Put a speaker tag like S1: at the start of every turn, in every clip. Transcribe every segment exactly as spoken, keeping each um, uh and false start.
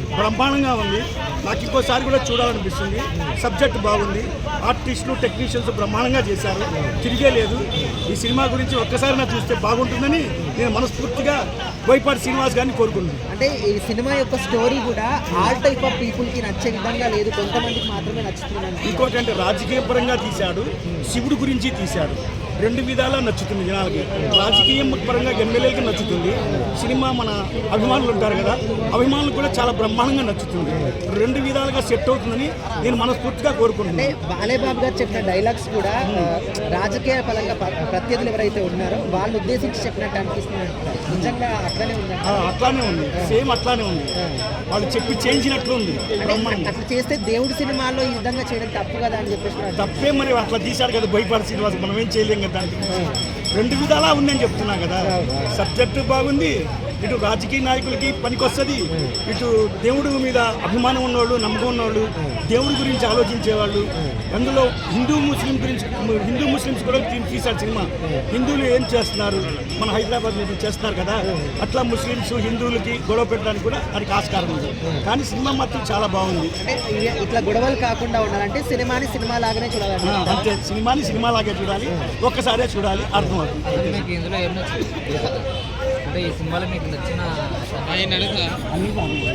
S1: బ్రహ్మాండంగా ఉంది. నాకు ఇంకోసారి కూడా చూడాలనిపిస్తుంది. సబ్జెక్ట్ బాగుంది, ఆర్టిస్టులు టెక్నీషియన్స్ బ్రహ్మాండంగా చేశారు, తిరిగే లేదు. ఈ సినిమా గురించి ఒక్కసారి నాకు చూస్తే బాగుంటుందని నేను మనస్ఫూర్తిగా బోయపాటి శ్రీనివాస్ గారిని కోరుకుంటున్నాను.
S2: అంటే ఈ సినిమా యొక్క స్టోరీ కూడా ఆల్ టైప్ ఆఫ్ పీపుల్కి నచ్చే విధంగా లేదు, కొంతమందికి మాత్రమే నచ్చుతుంది.
S1: ఇంకోటి అంటే రాజకీయ పరంగా తీశాడు, శివుడు గురించి తీశాడు, రెండు విధాలా నచ్చుతుంది జనాలకి. రాజకీయం పరంగా ఎమ్మెల్యేలకి నచ్చుతుంది, సినిమా మన అభిమానులు ఉంటారు కదా, అభిమానులు కూడా చాలా బ్రహ్మాండంగా నచ్చుతుంది. రెండు విధాలుగా సెట్ అవుతుందని నేను మనస్ఫూర్తిగా కోరుకుంటున్నాను.
S2: అంటే బాలేబాబు గారు చెప్పిన డైలాగ్స్ కూడా రాజకీయ పరంగా ప్రత్యర్థులు ఎవరైతే ఉన్నారో వాళ్ళు ఉద్దేశించి చెప్పినట్టు అనిపిస్తుంది. నిజంగా అట్లానే ఉంది,
S1: అట్లానే ఉంది, సేమ్ అట్లానే ఉంది. వాళ్ళు చెప్పి చేయించినట్లు ఉంది.
S2: అట్లా చేస్తే దేవుడి సినిమాలో ఈ విధంగా చేయడం తప్పు కదా అని చెప్పేసి.
S1: తప్పే మరి, అట్లా తీశాడు కదా బోయపాటి శ్రీనివాస్, మనం ఏం చేయలేం కదా. దానికి రెండు విధాలా ఉందని చెప్తున్నా కదా. సబ్జెక్టు బాగుంది, ఇటు రాజకీయ నాయకులకి పనికొస్తుంది, ఇటు దేవుడి మీద అభిమానం ఉన్నవాళ్ళు, నమ్మకం ఉన్నవాళ్ళు, దేవుడి గురించి ఆలోచించేవాళ్ళు. అందులో హిందూ ముస్లిం గురించి, హిందూ ముస్లిమ్స్ కూడా తీశాడు సినిమా. హిందువులు ఏం చేస్తున్నారు, మన హైదరాబాద్ మీద చేస్తున్నారు కదా, అట్లా ముస్లిమ్స్ హిందువులకి గొడవ పెట్టడానికి కూడా దానికి ఆస్కారం ఉంది. కానీ సినిమా మాత్రం చాలా బాగుంది.
S2: ఇట్లా గొడవలు కాకుండా ఉండాలంటే సినిమాని సినిమా లాగానే చూడాలి.
S1: అంతే, సినిమాని సినిమా లాగే చూడాలి, ఒక్కసారే చూడాలి, అర్థమవుతుంది.
S3: ఇందులో ఏం నచ్చింది అంటే ఈ సినిమాలో మీకు నచ్చిన
S1: అన్ని బాగున్నాయి,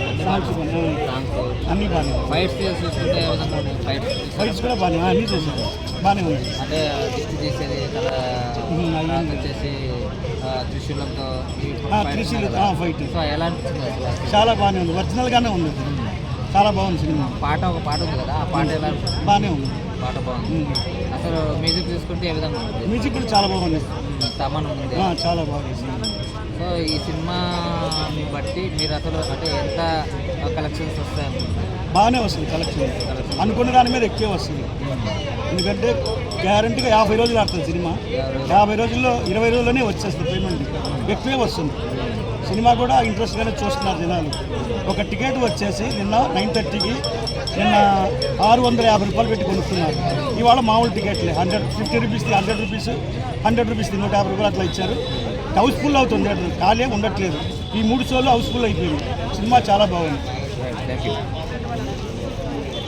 S1: అన్ని బాగున్నాయి.
S3: ఫైట్స్ చూస్తుంటే ఏ విధంగా ఉన్నాయి? ఫైట్స్
S1: ఫైట్స్ కూడా బాగానే, అన్నీ చేశారు, బాగానే ఉంది.
S3: అంటే దిష్టి తీసేది కదా వచ్చేసి త్రిశూలంతో
S1: త్రిశూలు ఫైట్
S3: సో ఎలా అనిపించింది అసలు?
S1: చాలా బాగానే ఉంది, ఒరిజినల్గానే ఉంది, చాలా బాగుంది సినిమా.
S3: పాట ఒక పాట ఉంది కదా, ఆ పాట ఎలా అనిపించింది?
S1: బాగానే ఉంది,
S3: పాట బాగుంది. అసలు మ్యూజిక్ తీసుకుంటే ఏ విధంగా ఉంది?
S1: మ్యూజిక్ కూడా చాలా బాగుంది,
S3: తమన్ ఉంది,
S1: చాలా బాగుంది.
S3: సో ఈ సినిమాని బట్టి మీరు అసలు అంటే ఎంత కలెక్షన్స్ వస్తాయి?
S1: బాగానే వస్తుంది కలెక్షన్, అనుకున్న దాని మీద ఎక్కువ వస్తుంది. ఎందుకంటే గ్యారంటీగా యాభై రోజులు ఆడుతుంది సినిమా, యాభై రోజుల్లో ఇరవై రోజుల్లోనే వచ్చేస్తుంది పేమెంట్, ఎక్కువే వస్తుంది. సినిమా కూడా ఇంట్రెస్ట్గానే చూస్తున్నారు జనాలు. ఒక టికెట్ వచ్చేసి నిన్న నైన్ థర్టీకి నిన్న ఆరు వందల యాభై రూపాయలు పెట్టి కొనుక్కున్నారు. ఇవాళ మామూలు టికెట్లే హండ్రెడ్ ఫిఫ్టీ రూపీస్ది, హండ్రెడ్ రూపీస్ హండ్రెడ్ రూపీస్ది నూట యాభై రూపాయలు అట్లా ఇచ్చారు. హౌస్ఫుల్ అవుతుంది, ఖాళీ ఉండట్లేదు. ఈ మూడు షోలు హౌస్ఫుల్ అయిపోయింది. సినిమా చాలా బాగుంది.
S3: Thank you.